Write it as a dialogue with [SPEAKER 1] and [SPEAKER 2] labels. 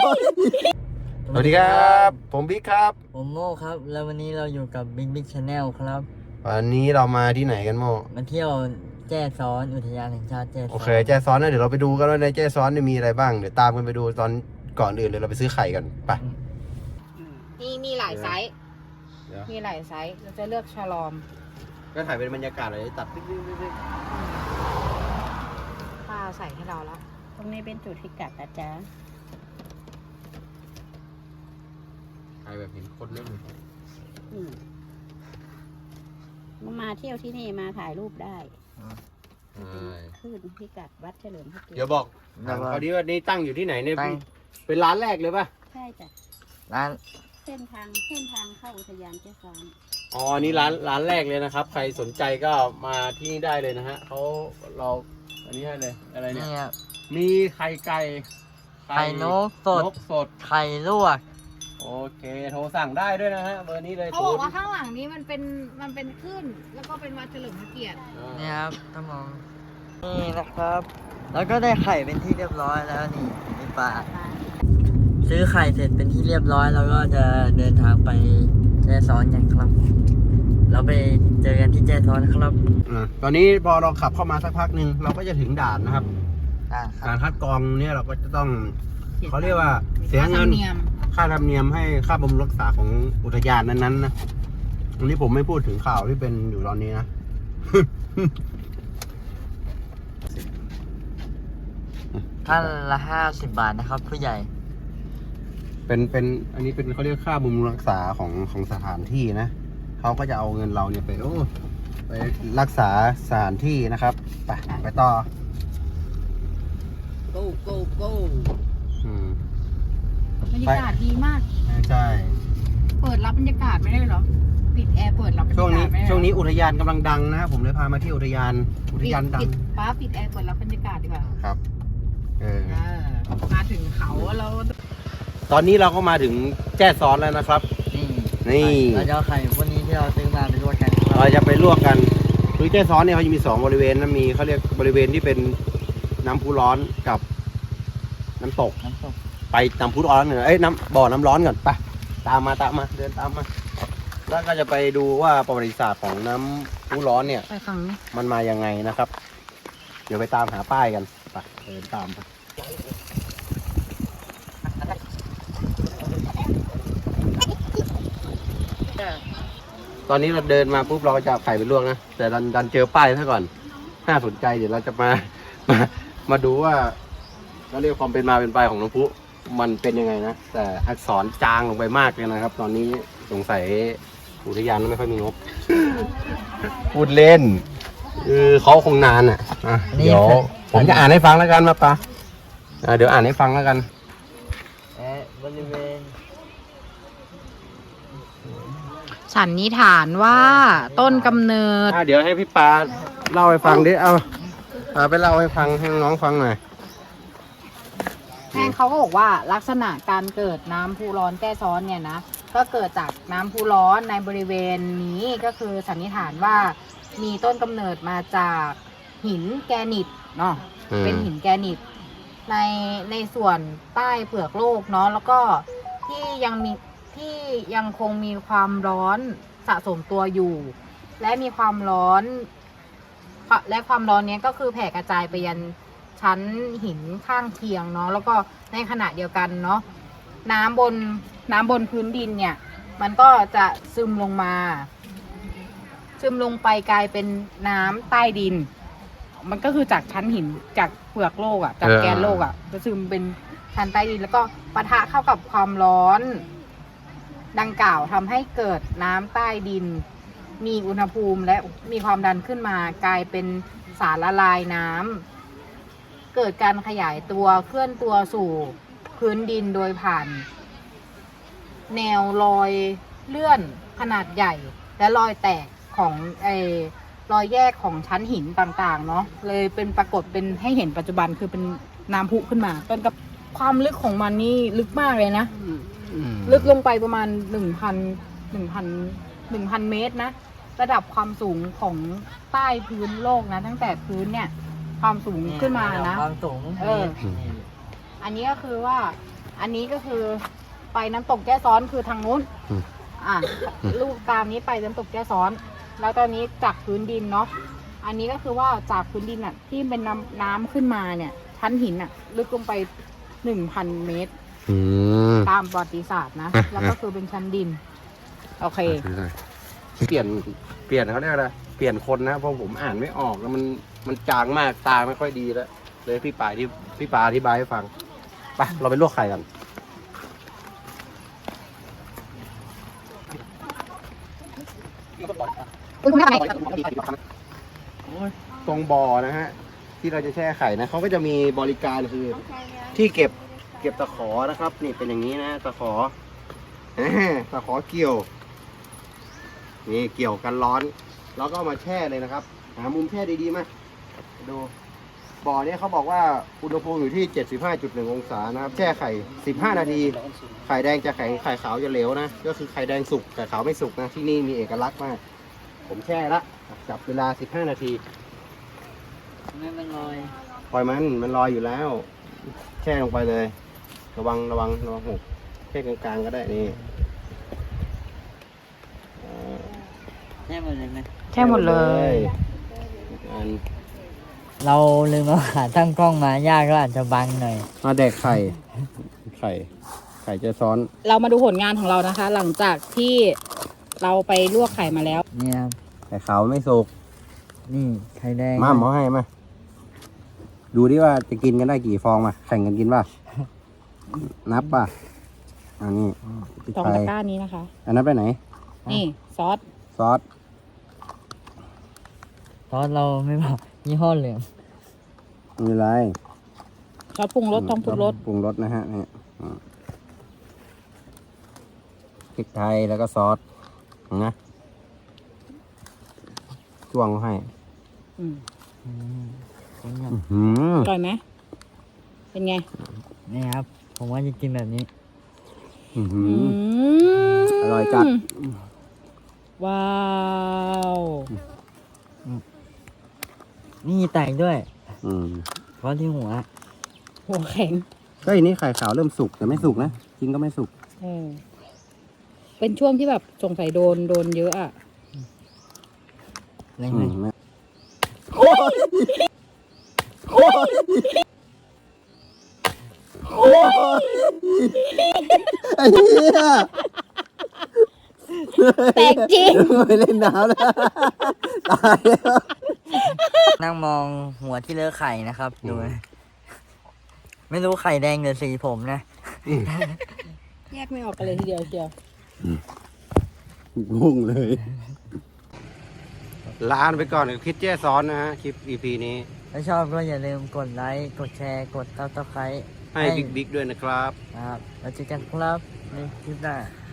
[SPEAKER 1] สวัสดีครับผมบิ๊กครับ
[SPEAKER 2] ผมโม่ครับแล้ววันนี้เราอยู่กับบิ๊กชาแนลครับ
[SPEAKER 1] วันนี้เรามาที่ไหนกันโม่
[SPEAKER 2] มาเที่ยวแจ้ซ้อนอุทยานแห่งชาติแจ้ซ้อน
[SPEAKER 1] โอเคแจ้ซ้อนนะเดี๋ยวเราไปดูกันว่าในแจ้ซ้อนมีอะไรบ้างเดี๋ยวตามกันไปดูตอนก่อนอื่นเลยเราไปซื้อไข่กันไป
[SPEAKER 3] มีหลายไซส์มีหลายไซส์เราจะเลือกฉลอม
[SPEAKER 1] ก็ถ่ายเป็นบรรยากาศเลยตัด
[SPEAKER 3] ป้าใส่ให้เราแล้ว
[SPEAKER 4] ตรงนี้เป็นจุดพิกัดนะจ๊ะ
[SPEAKER 1] ถ่ายแบบเห็นคนเล่น
[SPEAKER 4] มาเที่ยวที่นี่มาถ่ายรูปได้ขึ้นพิกัดวัดเฉลิมพระเกียรติ
[SPEAKER 1] เดี๋ยวบอกเอาดีว่านี่ตั้งอยู่ที่ไหนเนี่ยเป็นร้านแรกเลยป่ะ
[SPEAKER 4] ใช่จ้ะ
[SPEAKER 2] ร้าน
[SPEAKER 4] เส้นทางเข้าอุทยานแจ้ซ้อน
[SPEAKER 1] อ๋อนี่ร้านแรกเลยนะครับใครสนใจก็มาที่นี่ได้เลยนะฮะเราอันนี้ให้เลยอะไรเนี่ยมีไข่ไก่
[SPEAKER 2] ไข่นกสดไข่ลวก
[SPEAKER 1] โอเคโทรสั่งได้ด้วยนะฮะเบอร์นี้เลย
[SPEAKER 3] เขาบอกว่าข้างหลังนี้มันเป็นขึ้นแล้วก็เป็นวัดเฉลิมพระเกียรติ
[SPEAKER 2] เนี่ยครับท่านมองนี่นะครับแล้วก็ได้ไข่เป็นที่เรียบร้อยแล้วนี่ปลาซื้อไข่เสร็จเป็นที่เรียบร้อยแล้วก็จะเดินทางไปแจ้ซ้อนกันครับเราไปเจอกันที่แจ้ซ้อนครับ
[SPEAKER 1] ตอนนี้พอเราขับเข้ามาสักพักหนึ่งเราก็จะถึงด่านนะครับการคัดกรองเนี่ยเราก็จะต้องเขาเรียกว่าเสียเงินค่าธรรมเนียมให้ค่าบำรุงรักษาของอุทยานนั้นๆนะอันนี้ผมไม่พูดถึงข่าวที่เป็นอยู่ตอนนี้นะ
[SPEAKER 2] ท่านละ50 บาทนะครับผู้ใหญ่
[SPEAKER 1] เป็นอันนี้เป็นเขาเรียกค่าบำรุงรักษาของสถานที่นะเขาก็จะเอาเงินเราเนี่ยไปรักษาสถานที่นะครับไปต่อ
[SPEAKER 4] go
[SPEAKER 3] บรรยากาศดีมาก
[SPEAKER 1] ใช่
[SPEAKER 3] เปิดรับบรรยากาศไม่ได้หรอปิดแอร์เปิดรับบรรยากาศไม่ได้
[SPEAKER 1] ช่วงนี้อุทยานกำลังดังนะครับผมเลยพามาที่อุทยานดัง
[SPEAKER 3] ป้าปิดแอร์เปิดรับบรรยากาศดีกว่า
[SPEAKER 1] ครับ
[SPEAKER 3] มาถึงเขาแล้ว
[SPEAKER 1] ตอนนี้เราก็มาถึงแจ้ซ้อนแล้วนะครับนี่
[SPEAKER 2] เราจะเอาไข่พวกนี้ที่เราซื้อมาไปลวกกัน
[SPEAKER 1] เราจะไปลวกกันคือแจ้ซ้อนเนี่ยเขาจะมี2บริเวณนะมีเขาเรียกบริเวณที่เป็นน้ำพุร้อนกับน้ำตกไปน้ำพุร้อนเหรอน้ำบ่อน้ำร้อนก่อนไปตามมาเดินตามมาแล้วก็จะไปดูว่าประวัติศาสตร์ของน้ำพุร้อนเนี่ยมันมายังไงนะครับเดี๋ยวไปตามหาป้ายกันไปเดินตามไปตอนนี้เราเดินมาปุ๊บเราก็จะไข่ไปลวกนะแต่ดันเจอป้ายซะก่อนน่าสนใจเดี๋ยวเราจะมาดูว่าเราเรียกความเป็นมาเป็นไปของน้ำพุมันเป็นยังไงนะแต่อักษรจางลงไปมากเลยนะครับตอนนี้สงสัยอุทยานไม่ค่อยมีงบพูดเล่นเขาคงนานเดี๋ยวผมจะอ่านให้ฟังแล้วกันมาปะเดี๋ยวอ่านให้ฟังแล้วกัน
[SPEAKER 2] บริเวณ
[SPEAKER 3] สันนิษฐานว่าต้นกำเนิด
[SPEAKER 1] เดี๋ยวให้พี่ปาเล่าให้ฟังดิเอาไปเล่าให้ฟังให้น้องฟังหน่อย
[SPEAKER 3] แม่เขาก็บอกว่าลักษณะการเกิดน้ำพุร้อนแจ้ซ้อนเนี่ยนะก็เกิดจากน้ำพุร้อนในบริเวณนี้ก็คือสันนิษฐานว่ามีต้นกำเนิดมาจากหินแกรนิตเนาะเป็นหินแกรนิตในส่วนใต้เปลือกโลกเนาะแล้วก็ที่ยังคงมีความร้อนสะสมตัวอยู่และมีความร้อนนี้ก็คือแผ่กระจายไปยันชั้นหินข้างเคียงเนาะแล้วก็ในขณะเดียวกันเนาะน้ำบนพื้นดินเนี่ยมันก็จะซึมลงไปกลายเป็นน้ำใต้ดินมันก็คือจากชั้นหินจากเปลือกโลกจากแกนโลกจะซึมเป็นชั้นใต้ดินแล้วก็ปะทะเข้ากับความร้อนดังกล่าวทำให้เกิดน้ำใต้ดินมีอุณหภูมิและมีความดันขึ้นมากลายเป็นสารละลายน้ำเกิดการขยายตัวเคลื่อนตัวสู่พื้นดินโดยผ่านแนวรอยเลื่อนขนาดใหญ่และรอยแตกของรอยแยกของชั้นหินต่างๆเนาะเลยเป็นปรากฏเป็นให้เห็นปัจจุบันคือเป็นน้ำพุขึ้นมาต้นกับความลึกของมันนี่ลึกมากเลยนะลึกลงไปประมาณ1,000 เมตรนะระดับความสูงของใต้พื้นโลกนะตั้งแต่พื้นเนี่ยความสูงขึ้นมานะ
[SPEAKER 2] ความสูง
[SPEAKER 3] อันนี้ก็คือว่าอันนี้ก็คือไปน้ำตกแก้ซ้อนคือทางนู้น ลูกตามนี้ไปน้ำตกแก้ซ้อน แล้วตอนนี้จากพื้นดินเนาะ อันนี้ก็คือว่าจากพื้นดินอ่ะที่เป็นน้ำขึ้นมาเนี่ย ชั้นหินอ่ะลึกลงไป 1,000 เมตร ตามประวัติศาสตร์นะ แล้วก็คือเป็นชั้นดิน โอเค
[SPEAKER 1] เปลี่ยนเขาเรียกอะไรเปลี่ยนคนนะเพราะผมอ่านไม่ออกแล้วมันจางมากตาไม่ค่อยดีแล้วเลยพี่ปาอธิบายให้ฟังไปเราไปลวกไข่กันตรงบ่อนะฮะที่เราจะแช่ไข่นะเขาก็จะมีบริการคือที่เก็บตะขอนะครับ นี่เป็นอย่างนี้นะตะขอตะขอเกี่ยวนี่เกี่ยวกันร้อนแล้วก็เอามาแช่เลยนะครับหามุมแช่ดีๆมาดูบ่อเนี้ยเขาบอกว่าอุณหภูมิอยู่ที่ 75.1 องศานะครับแช่ไข่15 นาทีไข่แดงจะแข็งไข่ขาวจะเหลวนะก็คือไข่แดงสุกไข่ขาวไม่สุกนะที่นี่มีเอกลักษณ์มากผมแช่ละจับเวลา15 นาที
[SPEAKER 2] ไม่มันลอย
[SPEAKER 1] ปล่อยมันลอยอยู่แล้ว แช่ลงไปเลย ระวังหกแค่กลางๆก็ได้นี่
[SPEAKER 2] แช่หมดเลยไหม
[SPEAKER 3] แช่หมดเลย
[SPEAKER 1] อัน
[SPEAKER 2] เราลืมเอาขาตั้งกล้องมายากก็อาจจะบังหน่อย
[SPEAKER 1] มาแดกไข่จะซ้อน
[SPEAKER 3] เรามาดูผลงานของเรานะคะ หลังจากที่เราไปลวกไข่มาแล้ว
[SPEAKER 2] เนี่ยครับ
[SPEAKER 1] ไข่ขาวไม่สุก
[SPEAKER 2] นี่ไข่แดง
[SPEAKER 1] มาหมอให้มาดูดิว่าจะกินกันได้กี่ฟองมาแข่งกันกินป่ะ นับป่ะอันนี้
[SPEAKER 3] สองตะกร้านี้นะคะ
[SPEAKER 1] อันนั้นไปไหน
[SPEAKER 3] นี่ซอส
[SPEAKER 1] ซอส
[SPEAKER 2] ซอสเราไม่บอกยี่ห้อเหลือง
[SPEAKER 1] ไม่เป็นไร
[SPEAKER 3] ซอสปรุงรสต้องปรุงรส
[SPEAKER 1] ปรุงรสนะฮะเนี่ยพริกไทยแล้วก็ซอสนะจ้วงให้
[SPEAKER 3] อืม
[SPEAKER 2] ผมอยาก
[SPEAKER 3] อร่อยไหมเป็นไง
[SPEAKER 2] นี่ครับ ผมว่าจะกินแบบนี้
[SPEAKER 1] อร่อยจัด
[SPEAKER 3] ว้าว
[SPEAKER 2] นี่แตกด้วย
[SPEAKER 1] อืม
[SPEAKER 2] เพราะที่หัว
[SPEAKER 3] หัวแข็ง
[SPEAKER 1] ก็อันนี้ไข่ขาวเริ่มสุกแต่ไม่สุกนะจริงก็ไม่สุก
[SPEAKER 3] เป็นช่วงที่แบบสงสัยโดนเยอะอ่ะ
[SPEAKER 2] อะไรไหม
[SPEAKER 1] ไอ้เหี้ย
[SPEAKER 3] แตกจริง
[SPEAKER 1] ไม่เล่นน้ำแล้วตายแล้ว
[SPEAKER 2] นั่งมองหัวที่เลอะไข่นะครับ ดูนะไม่รู้ไข่แดงหรือสีผมนะ
[SPEAKER 3] แยกไม่ออกกันเลยทีเดียวเชียว
[SPEAKER 1] งงเลยลาไปก่อนกับคิดเจ้ซ้อนนะฮะคลิป EP นี้
[SPEAKER 2] ถ้าชอบก็อย่าลืมกดไลค์ กดแชร์ กดซับสไครต์
[SPEAKER 1] ให้บิ๊กด้วยนะครับ
[SPEAKER 2] ครับแล้วเจอกันครับในคลิปหน้า